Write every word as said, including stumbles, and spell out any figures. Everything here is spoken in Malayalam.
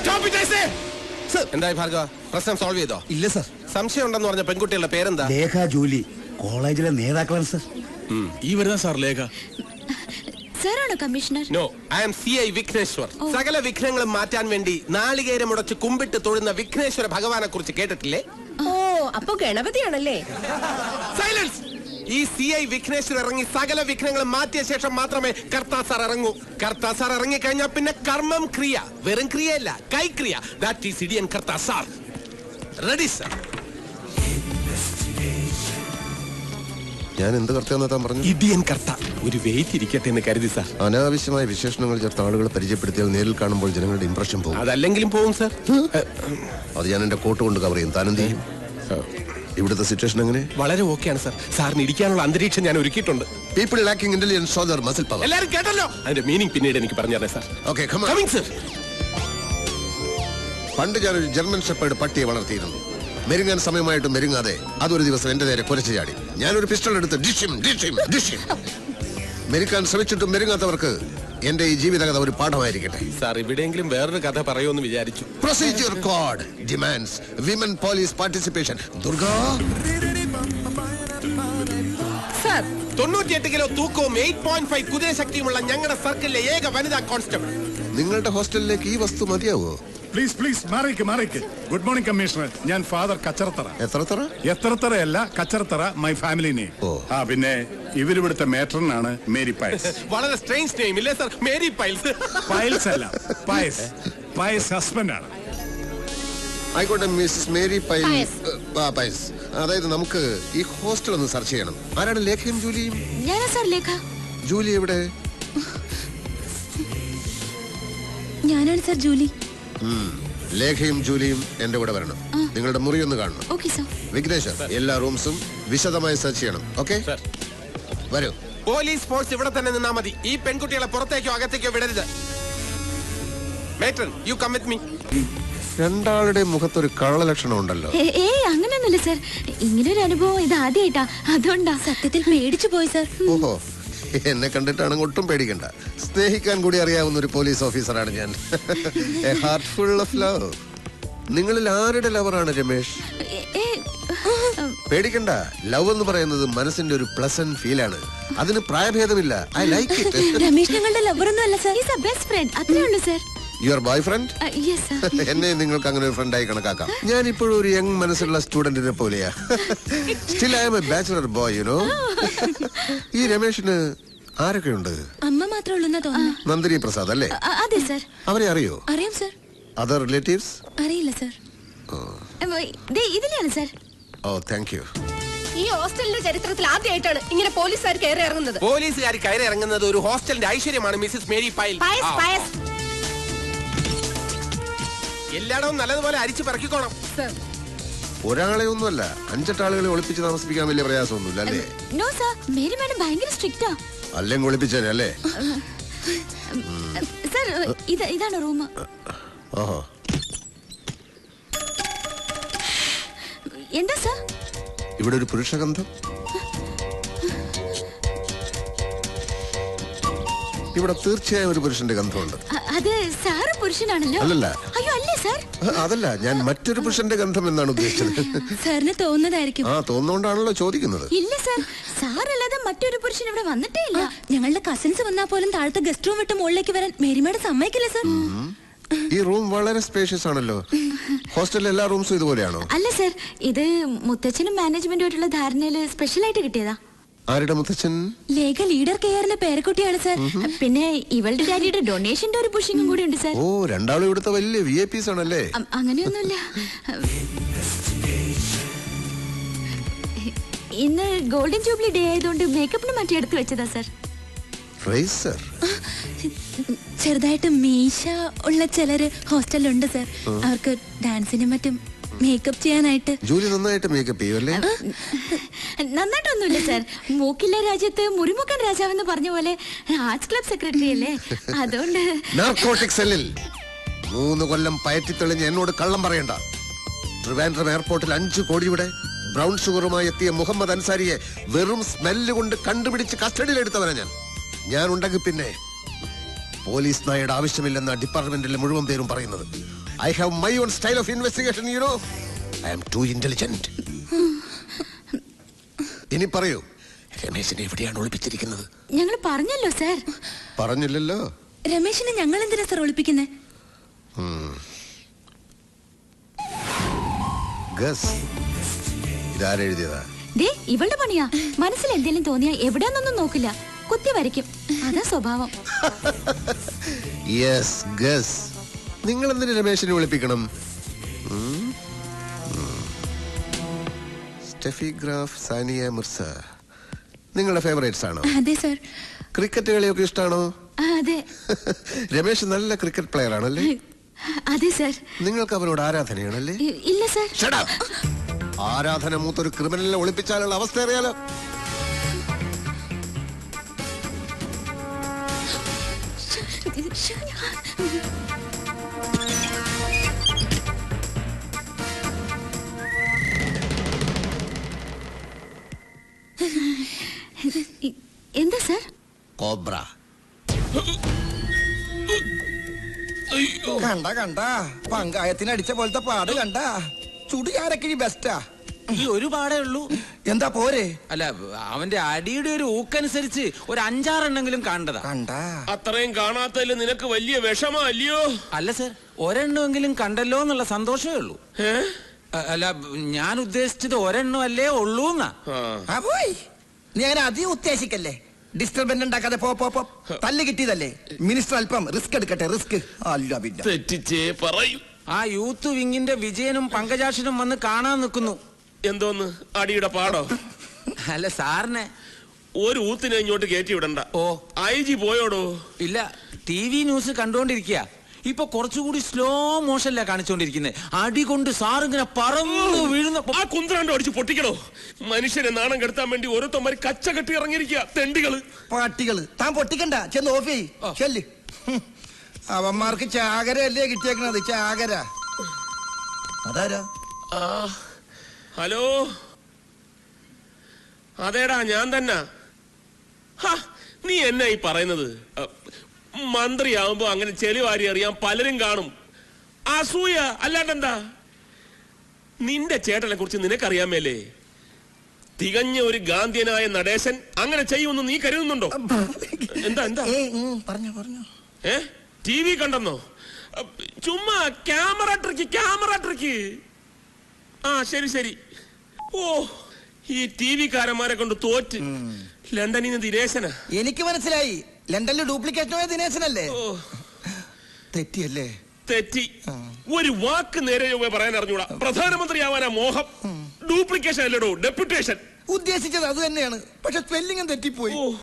എന്തായി ഭാർഗവ, പ്രശ്നം സോൾവ് ചെയ്തോ? ഇല്ല സർ. സംശയം ഉണ്ടെന്ന് പറഞ്ഞ പെൺകുട്ടികളുടെ പേരെന്താ? ലേഖ, ജൂലി, കോളേജിലെ നേതാക്കളാണ് സർ. ഈ വരുന്ന സാർ ലേഖ. സാറാണോ commissioner? No, I am C I Vigneshwar. സകല വിഘ്നങ്ങളും മാറ്റാൻ വേണ്ടി നാളികേരം മുടച്ച് കുമ്പിട്ട് തൊഴുന്ന വിഘ്നേശ്വര ഭഗവാനെ കുറിച്ച് കേട്ടിട്ടില്ലേ? ഓ, അപ്പൊ ഗണപതിയാണല്ലേ? സൈലൻസ്. ഈ സി ഐ വിഘ്നേശ്വർ ഇറങ്ങി സകല വിഘ്നങ്ങളും മാറ്റിയ ശേഷം മാത്രമേ കർത്താ സാർ ഇറങ്ങൂ. കർത്താ സാർ ഇറങ്ങി കഴിഞ്ഞാൽ പിന്നെ കർമ്മം ക്രിയ, വെറും ക്രിയയല്ല, കൈക്രിയ. ദാറ്റ് ഈസ് ഇഡിയൻ കർത്താ സാർ. Ready sir? ഞാൻ എന്ത് കർത്താൻ പറഞ്ഞു? ഇഡിയൻ കർത്ത. ഒരു വെയിറ്റ് ഇരിക്കട്ടെ എന്ന് കരുതി സാർ. അനാവശ്യമായ വിശേഷണങ്ങൾ ചേർത്ത ആളുകളെ പരിചയപ്പെടുത്തിയാൽ നേരിൽ കാണുമ്പോൾ ജനങ്ങളുടെ ഇംപ്രഷൻ പോകും. അതല്ലെങ്കിലും പോകും സാർ. അത് ഞാൻ എന്റെ കോട്ട് കൊണ്ട് കവർ ചെയ്യും. താനെന്ത് ചെയ്യും? ഇവിടുത്തെ സിറ്റുവേഷൻ എങ്ങനെ? വളരെ ഓക്കെയാണ് സാർ. സാറിന് ഇരിക്കാനുള്ള അന്തരീക്ഷം ഞാൻ ഒരുക്കിയിട്ടുണ്ട്. People lacking intelligence show their muscle power. എല്ലാവരും കേട്ടല്ലോ? അതിന്റെ മീനിങ് പിന്നീട് എനിക്ക് പറഞ്ഞു തരണേ sir. Okay, come on. Coming sir. പണ്ട് ഞാനൊരു ജർമ്മൻ ഷെപ്പേർഡ് പട്ടിയെ വളർത്തിയിരുന്നു. മെരുങ്ങാൻ സമയമായിട്ട് മെരുങ്ങാതെ അതൊരു ദിവസം എന്റെ നേരെ കുരച്ചു ചാടി. ഞാനൊരു പിസ്റ്റൾ എടുത്ത് ഡിഷിം ഡിഷിം ഡിഷിം. മെരുക്കാൻ ശ്രമിച്ചിട്ടും മെരുങ്ങാത്തവർക്ക് എന്റെ ഈ ജീവിതകഥ ഒരു പാഠമായിരിക്കട്ടെ. സാർ, ഇവിടെയെങ്കിലും വേറൊരു കഥ പറയുമെന്ന് വിചാരിച്ചു. Procedure code demands women police participation. Durga, sir, തൊണ്ണൂറ്റിയെട്ട് കിലോ തൂക്കവും എയ്റ്റ് പോയിന്റ് ഫൈവ് കുതിരശക്തിയുമുള്ള ഞങ്ങളുടെ സർക്കിളിലെ ഏക വനിതാ കോൺസ്റ്റബിൾ. നിങ്ങളുടെ ഹോസ്റ്റലിലേക്ക് ഈ വസ്തു മതിയാവോ? പ്ലീസ് പ്ലീസ് മാറിക്ക് മാറിക്ക്. Good morning commissioner. ഞാൻ ഫാദർ കച്ചറത്തറ. എത്രത്തറ? എത്രത്തറയല്ല, കച്ചറത്തറ, മൈ ഫാമിലി നെയിം. ആ പിന്നെ ഇവരിവിടുത്തെ മേട്രനാണ് മേരി പയസ്. വളരെ സ്ട്രേഞ്ച് നെയിം ഇല്ലേ സാർ? Mary piles. പയൽസ് അല്ല, പയസ്. പയസ് ഹസ്ബൻഡ് ആണ്. ആയിക്കോട്ടെ മിസ്സസ് മേരി പൈൽസ്. പൈൽസ്. അതായത് നമുക്ക് ഈ ഹോസ്റ്റൽ ഒന്ന് സെർച്ച് ചെയ്യണം. ആരാണ് ലേഖയും ജൂലിയും? ഞാനാ സാർ ലേഖ. ജൂലി എവിടെ? ഞാനാണ് സാർ ജൂലി. ലേഖയും ജൂലിയും എന്റെ കൂടെ വരണം. നിങ്ങളുടെ മുറി ഒന്ന് കാണണം. Okay sir. വിഘ്നേശ്വർ, എല്ലാ റൂംസും വിശദമായി സെർച്ച് ചെയ്യണം. ഓക്കെ, വരൂ. പോലീസ് ഫോഴ്സ് ഇവിടെ തന്നെ നിന്നാ മതി. ഈ പെൺകുട്ടികളെ പുറത്തേക്കോ അകത്തേക്കോ വിടരുത്. Matron, you come with me. രണ്ടാളുടെ മുഖത്തൊരു കള്ളലക്ഷണം ഉണ്ടല്ലോ. ഏയ് അങ്ങനെയൊന്നുമില്ല സാർ. ഇങ്ങനൊരു അനുഭവം ഇത് ആദ്യമായിട്ടാ, അതുകൊണ്ടാ. സത്യത്തിൽ പേടിച്ചു പോയി സാർ. ഓഹോ, എന്നെ കണ്ടിട്ടാണെങ്കിൽ ഒട്ടും പേടിക്കണ്ട. സ്നേഹിക്കാൻ കൂടി അറിയാവുന്ന ഒരു പോലീസ് ഓഫീസറാണ് ഞാൻ. A heart full of love. നിങ്ങളിൽ ആരുടെ ലവറാണ് രമേശ്? പേടിക്കണ്ട. ലവ് എന്ന് പറയുന്നത് മനസ്സിന്റെ ഒരു പ്ലസന്റ് ഫീൽ ആണ്. അതിന് പ്രായഭേദമില്ല. I like it. രമേശ് ഞങ്ങളുടെ ലവറൊന്നും അല്ല sir. Is a best friend. അത്രേ ഉള്ളൂ സാർ. Your boy friend? എന്നെ നിങ്ങൾക്ക് അങ്ങനെ ഒരു ഫ്രണ്ടായി കണക്കാക്കാം. ഞാൻ ഇപ്പോഴും ഒരു യങ് മനസ്സുള്ള സ്റ്റുഡന്റിനെ പോലെയാ. Still I am a bachelor boy, you know. ഈ രമേശിന് ആരൊക്കെയുണ്ട്? അമ്മ മാത്രമേ ഉള്ളൂ തോന്നുന്നു. നന്ദിനി പ്രസാദ് അല്ലേ? അതെ സാർ. അവരെ അറിയോ? അറിയാം സാർ. Other relatives? അറിയില്ല സാർ. ഇതിലാണ് സാർ. Oh, thank you. ഈ ഹോസ്റ്റലിന്റെ ചരിത്രത്തിൽ ആദ്യമായിട്ടാണ് ഇങ്ങനെ പോലീസുകാർ കയറി ഇറങ്ങുന്നത്. പോലീസുകാർ കയറി ഇറങ്ങുന്നത് ഒരു ഹോസ്റ്റലിന്റെ ഐശ്വര്യമാണ് മിസ്സസ് മേരി പൈൽ. എല്ലായിടവും നല്ലതുപോലെ അരിച്ചു പറക്കിക്കോണം. ഒരാളെ ഒന്നുമല്ല, അഞ്ചെട്ടാളുകളെ ഒളിപ്പിച്ച് താമസിപ്പിക്കാൻ വലിയ പ്രയാസമൊന്നുമില്ല അല്ലേ? നോ സർ, മേരി മാഡം ഭയങ്കര സ്ട്രിക്റ്റാ. അല്ലെങ്കിൽ ഒളിപ്പിച്ചേനെ അല്ലേ? സർ, ഇത് ഇതാണ് റൂം. ഓഹോ, എന്താ സർ? ഇവിടെ ഒരു പുരുഷഗന്ധം. ഇവിടെ തീർച്ചയായും ഒരു പുരുഷന്റെ ഗന്ധമുണ്ട്. അത് സാറ് പുരുഷനാണല്ലോ. അല്ലല്ല. അയ്യോ അല്ലേ സാർ? അതല്ല, ഞാൻ മറ്റൊരു പുരുഷന്റെ ഗന്ധം എന്നാണ് ഉദ്ദേശിച്ചത്. സാറിന് തോന്നുന്നതായിരിക്കും. ആ, തോന്നുന്നോണ്ടാണല്ലോ ചോദിക്കുന്നത്. ഇല്ല സാർ, സാറല്ലാതെ മറ്റൊരു പുരുഷൻ ഇവിടെ വന്നിട്ടേ ഇല്ല. ഞങ്ങളുടെ കസിൻസ് വന്നാൽ പോലും താഴത്തെ ഗസ്റ്റ് റൂം വിട്ട് മുകളിലേക്ക് വരാൻ മേരിമാഡ് സമ്മതിക്കില്ല സാർ. ഈ റൂം വളരെ സ്പേഷ്യസ് ആണല്ലോ. ഹോസ്റ്റലിലെ എല്ലാ റൂംസും ഇതുപോലെയാണോ? അല്ല സാർ, ഇത് മുത്തച്ഛനും മാനേജ്മെന്റുമായിട്ടുള്ള ധാരണയില് സ്പെഷ്യൽ ആയിട്ട് കിട്ടിയതാ. ആരുടെ മുത്തച്ഛൻ? ലേഖ ലീഡർ കെയറിന്റെ പേരക്കുട്ടിയാണ് സാർ. പിന്നെ ഇവളുടെ ഡാഡിയുടെ ഡൊണേഷന്റെ ഒരു പുഷിങ്ങും കൂടി ഉണ്ട് സാർ. ഓ, രണ്ടാളും ഇവിടുത്തെ വലിയ വി ഐ പീസ് ആണല്ലേ? അങ്ങനെയൊന്നുമില്ല. ഇന്ന് ഗോൾഡൻ ജൂബിലി ഡേ ആയതുകൊണ്ട് മേക്കപ്പിന് മറ്റേ എടുത്തു വെച്ചതാ സാർ. ചെറുതായിട്ട് മീശ ഉള്ള ചിലര് ഹോസ്റ്റലിലുണ്ട് സാർ. അവർക്ക് ഡാൻസിനും മറ്റും മേക്കപ്പ് ചെയ്യാനായിട്ട്. ജൂലി നന്നായിട്ട് മേക്കപ്പ് ചെയ്യൂല്ലേ? നന്നായിട്ടൊന്നുമില്ല സാർ. മൂക്കില്ല രാജ്യത്ത് മുറിമുക്കൻ രാജാവെന്ന് പറഞ്ഞ പോലെ ആർട്സ് ക്ലബ് സെക്രട്ടറി അല്ലേ, അതുകൊണ്ട്. നാർക്കോട്ടിക് സെല്ലിൽ മൂന്ന് കൊല്ലം പയറ്റി തെളിഞ്ഞ് എന്നോട് കള്ളം പറയണ്ട. ട്രിവാൻഡ്രം എയർപോർട്ടിൽ അഞ്ചു കോടിയുടെ ബ്രൗൺ ഷുഗറുമായി എത്തിയ മുഹമ്മദ് അൻസാരിയെ വെറും സ്മെല്ല് കൊണ്ട് കണ്ടുപിടിച്ച് കസ്റ്റഡിയിലെടുത്തവനാ ഞാൻ. ഞാൻ ഉണ്ടെങ്കിൽ പിന്നെ പോലീസ് നായയുടെ ആവശ്യമില്ലെന്ന ഡിപ്പാർട്ട്മെന്റിലെ മുഴുവൻ പേരും പറയുന്നത്. I have my own style of investigation, you know. I am too intelligent. ഇനി പറയൂ, രമേശിനെ എവിടെയാണ് ഒളിപ്പിച്ചിരിക്കുന്നത്? ഞങ്ങൾ പറഞ്ഞല്ലോ സാർ. പറഞ്ഞില്ലല്ലോ. രമേശിനെ ഞങ്ങൾ എന്തിനാ സാർ ഒളിപ്പിക്കുന്നേ? ഗസ്, ഇതാരെഴുതിയതാ? ദേ ഇവളുടെ പണിയാ. മനസ്സിൽ എന്തെങ്കിലും തോന്നിയാ എവിടെയാന്നൊന്നും നോക്കില്ല, കുത്തി വരയ്ക്കും. അതാ സ്വഭാവം. Yes, guess. നിങ്ങൾ എന്തിനു രമേശിനെ വിളിപ്പിക്കണം? സ്റ്റെഫി ഗ്രാഫ്, സാനിയ മിർസ നിങ്ങളുടെ ഫേവറേറ്റ്സ് ആണോ? അതെ സാർ. ക്രിക്കറ്റ് കളിയൊക്കെ ഇഷ്ടമാണോ? അതെ. രമേശ് നല്ല ക്രിക്കറ്റ് പ്ലെയർ ആണല്ലേ? അതെ സാർ. നിങ്ങൾക്ക് അവരോട് ആരാധനയാണല്ലേ? ഇല്ല സാർ. Shut up! ആരാധന മൂത്തൊരു ക്രിമിനലിനെ ഒളിപ്പിച്ചാലുള്ള അവസ്ഥ അറിയാലോ. എന്താ സാർ? കോബ്ര. കണ്ട കണ്ട പങ്കായത്തിന് അടിച്ച പോലത്തെ പാട് കണ്ട. ചുടുകാരക്കിഴി ബെസ്റ്റാ. ഈ ഒരു പാടേ ഉള്ളൂ. എന്താ പോരെ? അല്ല, അവന്റെ അടിയുടെ ഒരു ഊക്കനുസരിച്ച് ഒരു അഞ്ചാറെണ്ണെങ്കിലും കാണണ്ടതാ. കണ്ട അത്രയും കാണാത്തതിൽ നിനക്ക് വലിയ വിഷമല്ലയോ? അല്ല സർ, ഒരെണ്ണമെങ്കിലും കണ്ടല്ലോ എന്നുള്ള സന്തോഷമേ ഉള്ളൂ. അ- അല്ല, ഞാൻ ഉദ്ദേശിച്ചത് ഒരെണ്ണം അല്ലേ ഉള്ളൂ എന്നാ. ആ പോയി. നീ അങ്ങനെ അധികം ഉദ്ദേശിക്കല്ലേ. ഡിസ്റ്റർബൻസ് ഉണ്ടാക്കാതെ പോ പോ പോ. തല്ല് കിട്ടിയതല്ലേ. മിനിസ്റ്റർ അല്പം റിസ്ക് എടുക്കട്ടെ. റിസ്ക് അല്ല പിന്നെ തെറ്റിച്ചേ പറയൂ. ആ യൂത്ത് വിങ്ങിന്റെ വിജയനും പങ്കജാക്ഷനും വന്ന് കാണാൻ നിൽക്കുന്നു. എന്തോന്ന് അടിയുടെ പാടോ? അല്ല സാറിനെ ഒരു ഊത്തിനെ ഇങ്ങോട്ട് കയറ്റി വിടണ്ട. ഓ ഐ ജി പോയോടോ? ഇല്ല, ടി വി ന്യൂസ് കണ്ടോണ്ടിരിക്കുക. ഇപ്പൊ കുറച്ചുകൂടി സ്ലോ മോഷനിലാ കാണിച്ചോണ്ടിരിക്കുന്നത്. അടി കൊണ്ട് സാറിങ്ങനെ പറന്നു വീഴുന്ന ആ കുന്ത്രാണ്ട് അടിച്ച് പൊട്ടിക്കണോ? മനുഷ്യനെ നാണം കെടുത്താൻ വേണ്ടി ഓരോരുത്തന്മാര് കച്ച കെട്ടി ഇറങ്ങിയിരിക്കുക. തെണ്ടികള്, പാട്ടികള്. താൻ പൊട്ടിക്കണ്ട, ചെന്ന് ഓഫ് ചെയ്. ചെല്ല്. ഹും. അവന്മാർക്ക് ചാകരയല്ലേ കിട്ടിയേക്കണത്. ചാകര. അതാരാ? ആ ഹലോ, അതേടാ ഞാൻ തന്നെ. നീ എന്നാ ഈ പറയുന്നത്? മന്ത്രിയാവുമ്പോ അങ്ങനെ ചെളി വാരി അറിയാൻ പലരും കാണും. അസൂയ അല്ലാണ്ടെന്താ? നിന്റെ ചേട്ടനെ കുറിച്ച് നിനക്കറിയാമേലേ? തികഞ്ഞ ഒരു ഗാന്ധിയനായ നടേശൻ അങ്ങനെ ചെയ്യുമെന്ന് നീ കരുതുന്നുണ്ടോ? എന്താ എന്താ പറഞ്ഞു പറഞ്ഞു ഏ ടി വി കണ്ടെന്നോ? ചുമ്മാ ക്യാമറ ട്രിക്ക്, ക്യാമറ ട്രിക്ക്. ആ ശരി ശരി. ഓ, ഈ ടി വിക്കാരന്മാരെ കൊണ്ട് തോറ്റ്. ലണ്ടനിൽ നിന്ന് ദിനേശനാ. എനിക്ക് മനസ്സിലായി. ലണ്ടനിൽ ഡ്യൂപ്ലിക്കേറ്റ് ദിനേശനല്ലേ? തെറ്റിയല്ലേ? തെറ്റി. ഒരു വാക്ക് നേരെ പറയാൻ അറിഞ്ഞൂടാ. പ്രധാനമന്ത്രിയാവാനാ മോഹം. ഡ്യൂപ്ലിക്കേഷൻ അല്ലടോ, ഡെപ്യൂട്ടേഷൻ. ഉദ്ദേശിച്ചത് അത് തന്നെയാണ്. പക്ഷെ സ്പെല്ലിംഗും തെറ്റിപ്പോയി.